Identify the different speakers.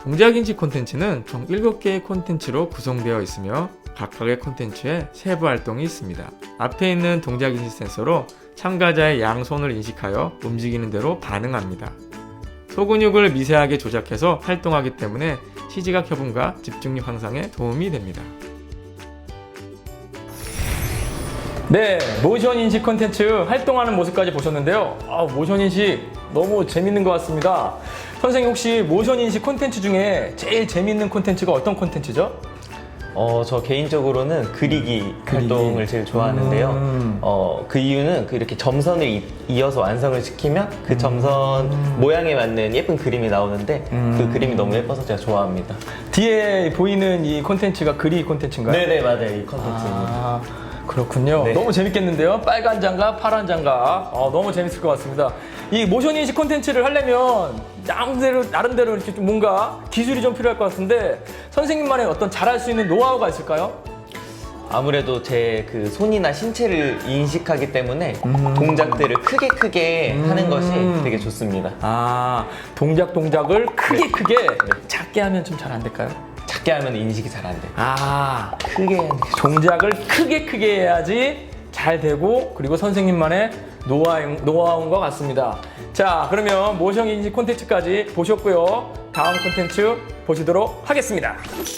Speaker 1: 동작인식 콘텐츠는 총 7개의 콘텐츠로 구성되어 있으며 각각의 콘텐츠에 세부 활동이 있습니다. 앞에 있는 동작인식 센서로 참가자의 양손을 인식하여 움직이는 대로 반응합니다. 소근육을 미세하게 조작해서 활동하기 때문에 시지각 협음과 집중력 향상에 도움이 됩니다. 네, 모션 인식 콘텐츠 활동하는 모습까지 보셨는데요. 모션 인식 너무 재밌는 것 같습니다. 선생님, 혹시 모션 인식 콘텐츠 중에 제일 재밌는 콘텐츠가 어떤 콘텐츠죠?
Speaker 2: 저 개인적으로는 그리기 활동을 제일 좋아하는데요. 그 이유는 이렇게 점선을 이어서 완성을 시키면 그 점선 모양에 맞는 예쁜 그림이 나오는데 그 그림이 너무 예뻐서 제가 좋아합니다.
Speaker 1: 뒤에 보이는 이 콘텐츠가 그리기 콘텐츠인가요?
Speaker 2: 네네, 맞아요. 이 콘텐츠입니다.
Speaker 1: 그렇군요.
Speaker 2: 네.
Speaker 1: 너무 재밌겠는데요. 빨간 장갑, 파란 장갑. 너무 재밌을 것 같습니다. 이 모션 인식 콘텐츠를 하려면 나름대로 이렇게 좀 뭔가 기술이 좀 필요할 것 같은데 선생님만의 어떤 잘할 수 있는 노하우가 있을까요?
Speaker 2: 아무래도 제 그 손이나 신체를 인식하기 때문에 동작들을 크게 하는 것이 되게 좋습니다.
Speaker 1: 동작을 크게 작게 하면 좀 잘 안 될까요?
Speaker 2: 작게 하면 인식이 잘 안 돼요.
Speaker 1: 크게 해야 돼. 동작을 크게 해야지 잘 되고, 그리고 선생님만의 노하우인 것 같습니다. 자, 그러면 모션 인식 콘텐츠까지 보셨고요. 다음 콘텐츠 보시도록 하겠습니다.